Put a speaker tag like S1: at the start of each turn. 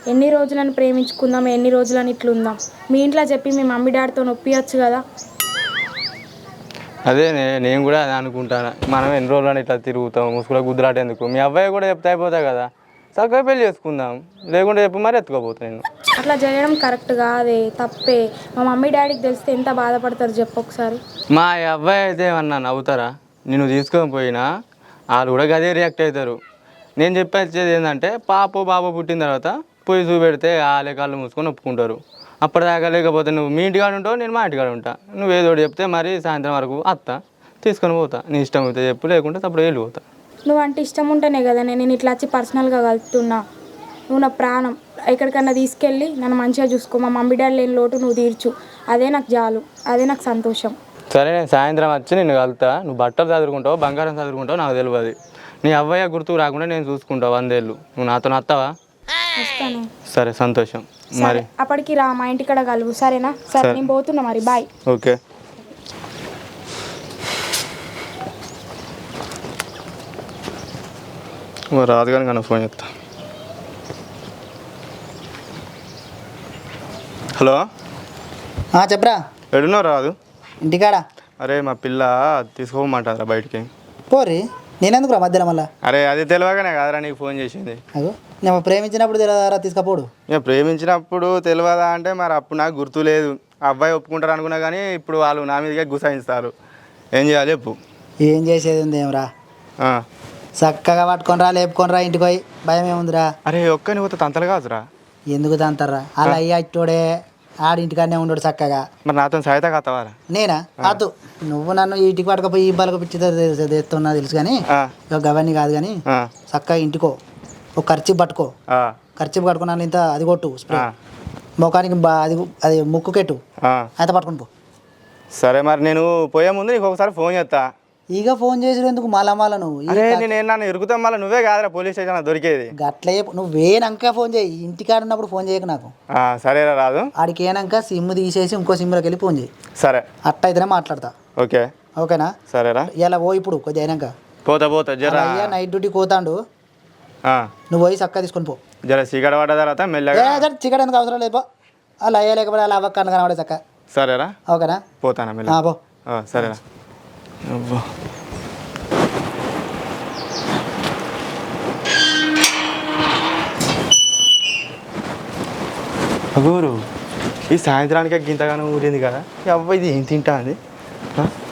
S1: ఎన్ని రోజులని ప్రేమించుకుందాం, ఎన్ని రోజులని ఇట్లుందాం. మీ ఇంట్లో చెప్పి మీ మమ్మీ డాడీతో నొప్పియచ్చు కదా.
S2: అదే నేను కూడా అదే అనుకుంటాను. మనం ఎన్ని రోజులని ఇట్లా తిరుగుతాం, ముసుగులో గుద్దులాట ఎందుకు? మీ అబ్బాయి కూడా చెప్తే అయిపోతాయి కదా, చక్కగా పెళ్లి చేసుకుందాం. లేకుంటే చెప్పి మరి ఎత్తుకోపోతా నేను.
S1: అట్లా చేయడం కరెక్ట్ కాదే, తప్పే. మా మమ్మీ డాడీకి తెలిస్తే ఎంత బాధపడతారు చెప్పు ఒకసారి.
S2: మా అబ్బాయి అయితే ఏమన్నా నవ్వుతారా? నేను తీసుకొని పోయినా వాళ్ళు కూడా గదే రియాక్ట్ అవుతారు. నేను చెప్పేది ఏంటంటే పాప బాబు పుట్టిన తర్వాత పోయి చూపెడితే వాళ్ళే కాళ్ళు మూసుకొని ఒప్పుకుంటారు. అప్పటిదాకా లేకపోతే నువ్వు మీ ఇంటికాడ ఉంటావు, నేను మా ఇంటికాడ ఉంటా. నువ్వు ఏదో చెప్తే మరి సాయంత్రం వరకు అత్తా తీసుకొని పోతా. నీ ఇష్టం అయితే చెప్పు, లేకుంటే అప్పుడు వెళ్ళిపోతా.
S1: నువ్వు అంటే ఇష్టం ఉంటేనే కదా నేను ఇట్లా వచ్చి పర్సనల్గా కలుపుతున్నా. నువ్వు నా ప్రాణం. ఎక్కడికన్నా తీసుకెళ్ళి నన్ను మంచిగా చూసుకో. మా మమ్మీ డాడీ లేని లోటు నువ్వు తీర్చు. అదే నాకు చాలు, అదే నాకు సంతోషం.
S2: సరే, నేను సాయంత్రం వచ్చి నిన్ను కలుతా. నువ్వు బట్టలు చదువుకుంటావు, బంగారం చదువుకుంటావు నాకు తెలియదు. నీ అవ్వయ్య గుర్తుకు రాకుండా నేను చూసుకుంటావు 100 ఏళ్ళు. నువ్వు నాతో నత్తవా?
S1: వస్తాను.
S2: సరే, సంతోషం. మరి
S1: అప్పటికి రా మా ఇంటికాడ కలువు, సరేనా? సరే, నేను పోతున్నా మరి. బాయ్.
S2: ఓకే. రాదు కానీ కన్నా ఫోన్ చేస్తా. హలో,
S3: చెప్పరా.
S2: ఎడున్నావు? రాదు
S3: ఇంటికాడ.
S2: అరే మా పిల్ల తీసుకోమంటారా బయటికి?
S3: పోరి, నేనెందుకు రా మధ్యలో మళ్ళా?
S2: అరే అది తెలియగానే కాదురా నీకు ఫోన్ చేసింది.
S3: అగో, నేను ప్రేమించినప్పుడు తెలియదారా తీసుకపోడు?
S2: ఇక ప్రేమించినప్పుడు తెలియదా అంటే మరి అప్పుడు నాకు గుర్తు లేదు. అబ్బాయి ఒప్పుకుంటారు అనుకున్నా కానీ ఇప్పుడు వాళ్ళు నా మీదకే గుసాయిస్తారు. ఏం చేయాలి చెప్పు?
S3: ఏం చేసేది ఉంది ఏమరా, చక్కగా పట్టుకొని రా, లేపుకొని రా ఇంటికి పోయి. భయం ఏముందిరా?
S2: అరే ఒక్కని పోతే తంతలు కాదురా.
S3: ఎందుకు తంతారా? అలా అయ్యా ఇట్టోడే ఆడింటికాడనే ఉండడు చక్కగా.
S2: మరి నాతో సహాయత కాతావారా?
S3: నేనా? కాదు, నువ్వు నన్ను ఇంటికి పట్టుకపోయి ఈ బలకు పిచ్చితో తెస్తున్నా తెలుసు కానీ గవన్నీ కాదు. కానీ చక్కగా ఇంటికో ఒక ఖర్చు పట్టుకో. ఖర్చు పట్టుకున్నాను ఇంత అది కొట్టు స్ప్రే ముఖానికి అది ముక్కుకెట్టు అయితే పట్టుకుని పో.
S2: సరే, మరి నేను పోయే ముందు నీకు ఒకసారి ఫోన్ చేస్తా.
S3: ఇక ఫోన్ చేసి ఎందుకు మళ్ళా నువ్వు?
S2: నేను ఇరుకుతాం మళ్ళీ నువ్వే కాదురా పోలీస్ స్టేషన్ దొరికేది.
S3: గట్లే నువ్వేనాక ఫోన్ చేయి. ఇంటికాడ ఉన్నప్పుడు ఫోన్ చేయకు నాకు.
S2: సరేరా రాదు.
S3: ఆడికి ఏనాక సిమ్ తీసేసి ఇంకో సిమ్లోకి వెళ్ళి ఫోన్ చేయి.
S2: సరే,
S3: అట్ట అయితేనే మాట్లాడతా.
S2: ఓకే.
S3: ఓకేనా?
S2: సరేరా.
S3: ఇలా పో ఇప్పుడు కొద్దిగా అయినాక.
S2: పోతా జరా.
S3: అయ్యా నైట్ డ్యూటీ పోతాండు, నువ్వు పోయి చక్కగా తీసుకొని పో.
S2: జర చీకట పడ్డ తర్వాత మెల్లగా.
S3: చీకటి ఎందుకు అవసరం లేదు, పో. అలా అయ్యా లేకపోతే అలా అవ్వక కనబడే చక్క.
S2: సరేరా.
S3: ఓకేనా?
S2: పోతానా మెల్ల.
S3: పో.
S2: సరేరా. అగోరు ఈ సాయంత్రానికే గింతగానో ఊరింది కదా. అవ్వ ఇది ఏం తింటా అది.